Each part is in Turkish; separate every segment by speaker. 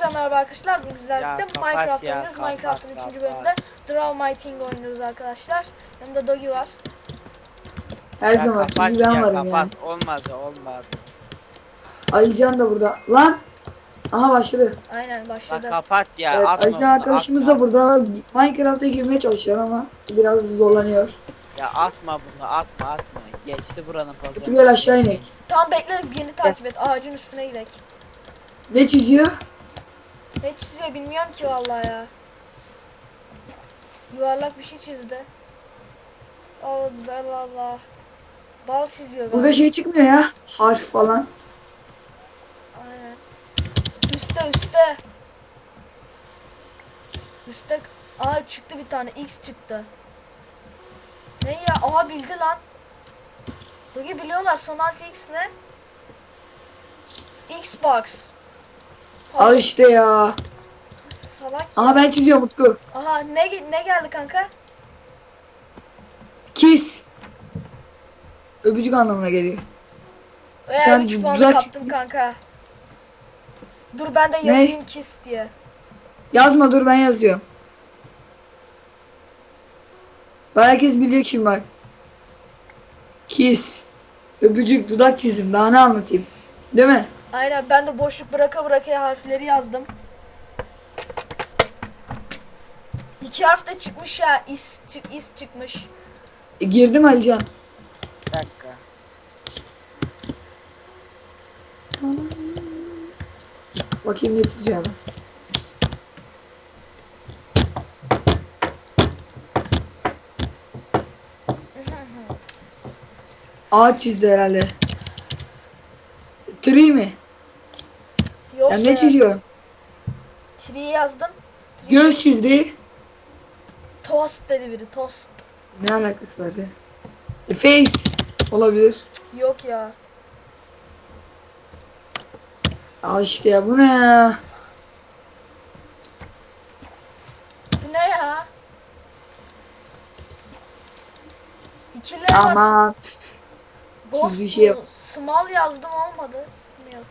Speaker 1: Hepinize merhaba arkadaşlar. Bugün sizlerle Minecraft
Speaker 2: ya,
Speaker 1: oynuyoruz. Minecraft'ın 3. bölümünde Draw My Thing oynuyoruz arkadaşlar. Yanımda Dogi var.
Speaker 3: Her
Speaker 2: Ya
Speaker 3: zaman
Speaker 2: kapat
Speaker 3: iyi ben
Speaker 2: ya
Speaker 3: varım
Speaker 2: kapat.
Speaker 3: yani.
Speaker 2: Olmaz.
Speaker 3: Alican da burada. Lan! Aha başladı.
Speaker 1: Aynen
Speaker 2: La
Speaker 1: başladı.
Speaker 2: kapat ya.
Speaker 3: Evet,
Speaker 2: atma
Speaker 3: Alican
Speaker 2: bunu,
Speaker 3: arkadaşımız
Speaker 2: atma.
Speaker 3: da burada. Minecraft'a girmeye çalışıyor ama biraz zorlanıyor.
Speaker 2: Ya atma bunu atma. Geçti buranın pazarı.
Speaker 3: Gel aşağı inek.
Speaker 1: Tamam bekle, beni takip et. Ağacın üstüne gidelim.
Speaker 3: Ne çiziyor?
Speaker 1: Ne çiziyor bilmiyorum ki vallahi ya. Yuvarlak bir şey çizdi. Allah Allah. Bal çiziyor galiba.
Speaker 3: Burada şey çıkmıyor ya. Harf falan.
Speaker 1: Aynen. Üste. Üste. Aa çıktı bir tane. X çıktı. Ne ya? Aha bildi lan. Dogi biliyorlar. Son harfi X ne? Xbox.
Speaker 3: Al işte ya.
Speaker 1: Salak ya.
Speaker 3: Aha ben çiziyorum Utku.
Speaker 1: Aha ne geldi kanka?
Speaker 3: Kiss. Öpücük anlamına geliyor. Sen
Speaker 1: 3 puan
Speaker 3: güzel
Speaker 1: kaptım
Speaker 3: çizdin.
Speaker 1: kanka. Dur ben de
Speaker 3: Ne?
Speaker 1: yazayım kiss diye.
Speaker 3: Yazma dur ben yazıyorum. Bak herkes bilecek şimdi bak. Kiss. Öpücük dudak çizim. Daha ne anlatayım? Değil mi?
Speaker 1: Aynen ben de boşluk bıraka harfleri yazdım. 2 harf de çıkmış ya. İs çıkmış.
Speaker 3: Girdim Alican.
Speaker 2: Bir dakika.
Speaker 3: Bakayım ne çizeceğim. Ağaç çizdi herhalde. Tree mi?
Speaker 1: Yok
Speaker 3: Ya
Speaker 1: be.
Speaker 3: ne çiziyorsun?
Speaker 1: Tree yazdım. Tree.
Speaker 3: Göz çizdi.
Speaker 1: Toast dedi biri, toast.
Speaker 3: Ne alakası var ya? Face olabilir.
Speaker 1: Yok ya.
Speaker 3: Al işte ya bu ne ya?
Speaker 1: Bu ne ya? İkili var.
Speaker 3: Aman.
Speaker 1: Ghost
Speaker 3: çizgi şey yap.
Speaker 1: bu. Small yazdım olmadı. Small.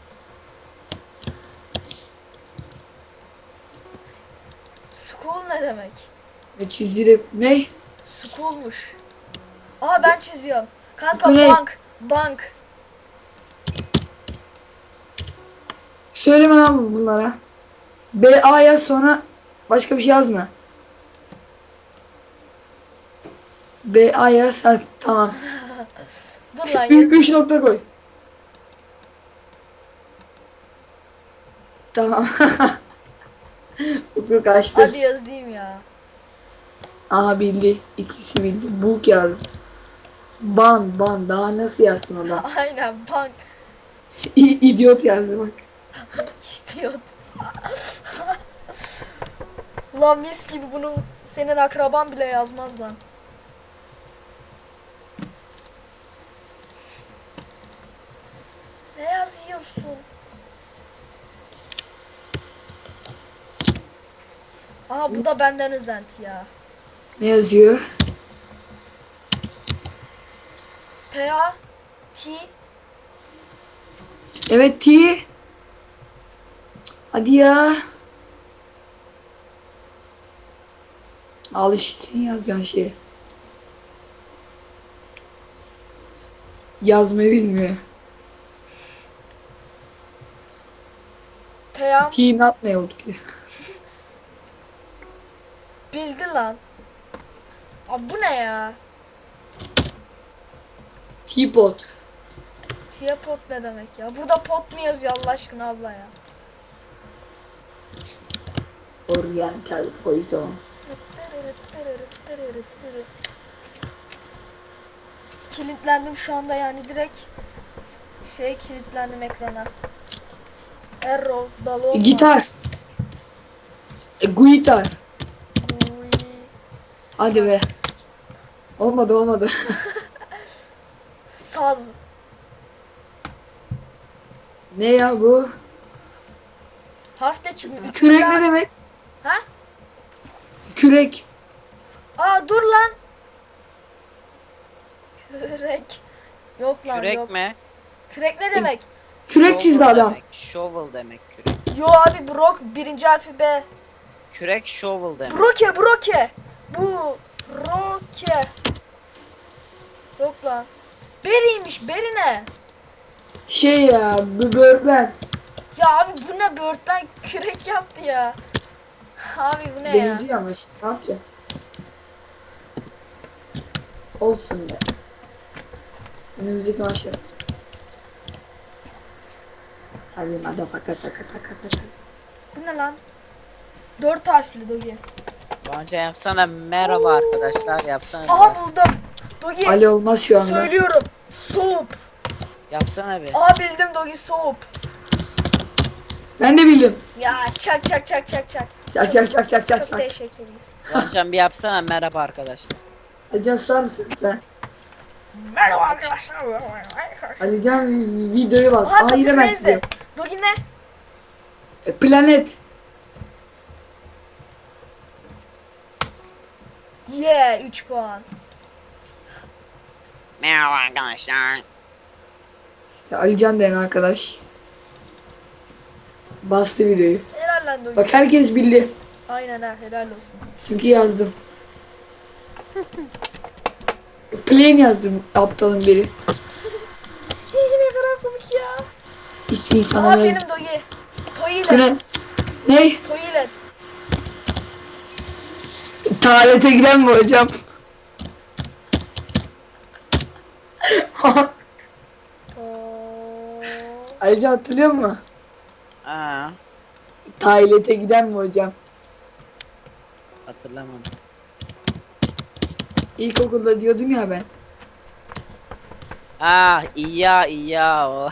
Speaker 1: School ne demek?
Speaker 3: Ne çizdi? Ne?
Speaker 1: School'muş. Aha ben çiziyorum. Kanka
Speaker 3: Bu ne?
Speaker 1: bank.
Speaker 3: Söyleme lan bunlara. BA yaz sonra başka bir şey yazma. BA yaz ha, tamam.
Speaker 1: Dur lan yazayım.
Speaker 3: 3 nokta koy. Tamam. Utku kaçtı.
Speaker 1: Hadi yazayım ya.
Speaker 3: Aha bildi. İkisi bildi. Book yazdı. Ban. Daha nasıl yazsın o da?
Speaker 1: Aynen bank
Speaker 3: İdiot yazdı bak.
Speaker 1: istiyor. Lan mis gibi bunu senin akraban bile yazmaz lan. Ne yazıyorsun? Aha bu da benden özenti ya.
Speaker 3: Ne yazıyor?
Speaker 1: T-A T
Speaker 3: Evet T. Hadi ya. Al işte senin yazacağın şey. Yazmayı bilmiyor.
Speaker 1: T-A
Speaker 3: T not ne oldu ki?
Speaker 1: bildi lan. Abi bu ne ya?
Speaker 3: Teapot.
Speaker 1: Teapot ne demek ya? Burada pot mu yazıyor Allah aşkına abla ya?
Speaker 3: Oriental poison.
Speaker 1: Kilitlendim şu anda yani direkt kilitlendim ekrana. Arrow, balon.
Speaker 3: Gitar. Guitar.
Speaker 1: Uy.
Speaker 3: Hadi be. Olmadı.
Speaker 1: Saz.
Speaker 3: Ne ya bu?
Speaker 1: Harf de çıkmıyor.
Speaker 3: Kürek ne demek?
Speaker 1: Ha?
Speaker 3: Kürek.
Speaker 1: Aa dur lan. Kürek. Yok lan
Speaker 2: Kürek
Speaker 1: yok.
Speaker 2: mi?
Speaker 1: Kürek ne demek?
Speaker 3: Kürek çizdi
Speaker 2: Shovel
Speaker 3: adam.
Speaker 2: demek. Shovel demek kürek.
Speaker 1: Yo abi Brok birinci harfi B.
Speaker 2: Kürek shovel demek.
Speaker 1: Broke. Bu Broke. Yok lan. Beriymiş. Beri ne?
Speaker 3: Şey ya, bu böğürtlen.
Speaker 1: Ya abi bu ne, böğürtlen kürek yaptı ya. Abi bu ne ya?
Speaker 3: Benziyor ama işte ne yapacağım? Olsun be. Önümüzdeki maçlar. Hadi taka.
Speaker 1: Bu ne lan? 4 harfli Dogi.
Speaker 2: Bence yapsana merhaba arkadaşlar yapsana.
Speaker 1: Aha
Speaker 2: bir.
Speaker 1: buldum. Dogi
Speaker 3: Ali olmaz şu anda.
Speaker 1: söylüyorum. Soğuk.
Speaker 2: Yapsana bir.
Speaker 1: Aha bildim Dogi, soğuk.
Speaker 3: Ben de bildim.
Speaker 1: Ya çak.
Speaker 3: Çak.
Speaker 1: Çok teşekkür ederiz.
Speaker 2: Doğancan bir yapsana merhaba arkadaşlar.
Speaker 3: Alican susar mısın lütfen?
Speaker 1: Merhaba arkadaşlar.
Speaker 3: Alican videoyu bas.
Speaker 1: Aha
Speaker 3: Aa yine ben
Speaker 1: takım
Speaker 3: çiziyorum.
Speaker 1: Dogi ne?
Speaker 3: Planet.
Speaker 1: Yeah 3 puan.
Speaker 2: Merhaba arkadaşlar.
Speaker 3: İşte Alican denen arkadaş. Bastı videoyu.
Speaker 1: Helal lan Dogi.
Speaker 3: Bak herkes bildi.
Speaker 1: Aynen ha, helal olsun.
Speaker 3: Çünkü yazdım. Plain yazdım aptalın biri.
Speaker 1: Ne kadar komik ya.
Speaker 3: Hiç insana
Speaker 1: Aha
Speaker 3: ne?
Speaker 1: benim Dogi.
Speaker 3: Güne.
Speaker 1: Toilet.
Speaker 3: Ne?
Speaker 1: Toilet.
Speaker 3: Tuvalete giden mi hocam? Ayrıca hatırlıyor musun?
Speaker 2: Aa,
Speaker 3: Tuvalete giden mi hocam?
Speaker 2: hatırlamadım.
Speaker 3: İlkokulda diyordum ya ben.
Speaker 2: İyi ya o.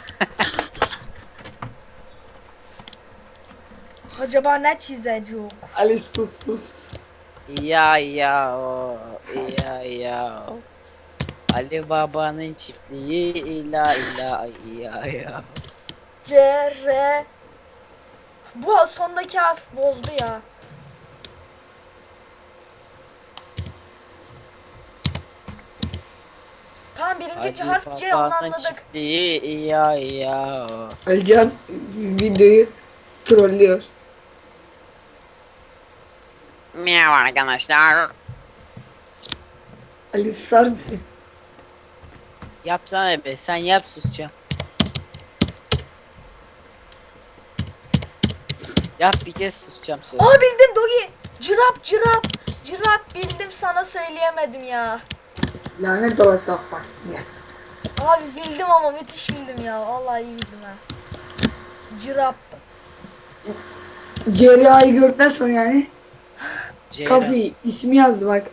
Speaker 1: Acaba ne çizecek?
Speaker 3: Ali sus.
Speaker 2: İyi ya o. Ali Baba'nın çiftliği ila ya.
Speaker 1: C, R. Bu sondaki harf bozdu ya. Tamam birinci
Speaker 2: Ali
Speaker 1: harf C, onu
Speaker 2: Baba'nın
Speaker 1: anladık.
Speaker 2: çiftliği ya o.
Speaker 3: Alican videoyu trollüyor.
Speaker 2: Merhaba arkadaşlar.
Speaker 3: Ali susar mısın?
Speaker 2: Yapsana be sen yap susacağım. Yap bir kez susacağım söyle.
Speaker 1: Aa bildim Dogi. Cırap bildim, sana söyleyemedim ya.
Speaker 3: Lanet olası akbarsın yaz.
Speaker 1: Abi bildim ama müthiş bildim ya. Vallahi iyi bildim ha. Cırap.
Speaker 3: CRA'yı gördükten sonra yani
Speaker 2: Ceylan.
Speaker 3: Kafi ismi yazdı bak.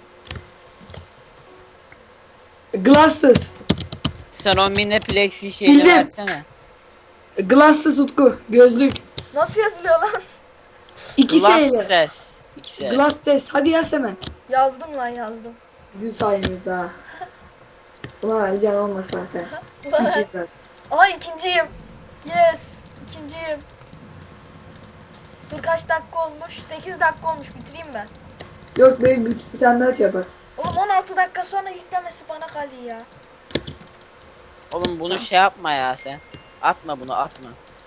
Speaker 3: Glasses.
Speaker 2: Sen o mini plexi şeyini
Speaker 3: Bildim.
Speaker 2: versene.
Speaker 3: Glasses Utku. Gözlük.
Speaker 1: Nasıl yazılıyor lan?
Speaker 3: İki şeyle.
Speaker 2: Glasses. İkisi.
Speaker 3: Glasses. Hadi yaz hemen.
Speaker 1: Yazdım lan, yazdım.
Speaker 3: Bizim sayemizde ha. Ulan Alican olmaz zaten. Hiç izler.
Speaker 1: Aa ikinciyim. Yes. İkinciyim. Dur kaç dakika olmuş? 8 dakika olmuş, bitireyim ben.
Speaker 3: Yok benim bir tane daha şey yapar.
Speaker 1: Oğlum 16 dakika sonra yüklemesi bana kalıyor ya.
Speaker 2: Oğlum bunu şey yapma ya sen. Atma bunu atma.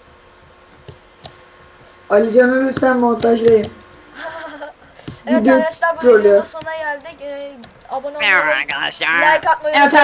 Speaker 3: Alican'ı lütfen montajlayın.
Speaker 1: Evet
Speaker 3: Video
Speaker 1: arkadaşlar, bu
Speaker 3: trollüyor.
Speaker 1: videonun sonuna geldik. Abone olmayı,
Speaker 2: Merhaba arkadaşlar.
Speaker 1: like atmayı
Speaker 3: Evet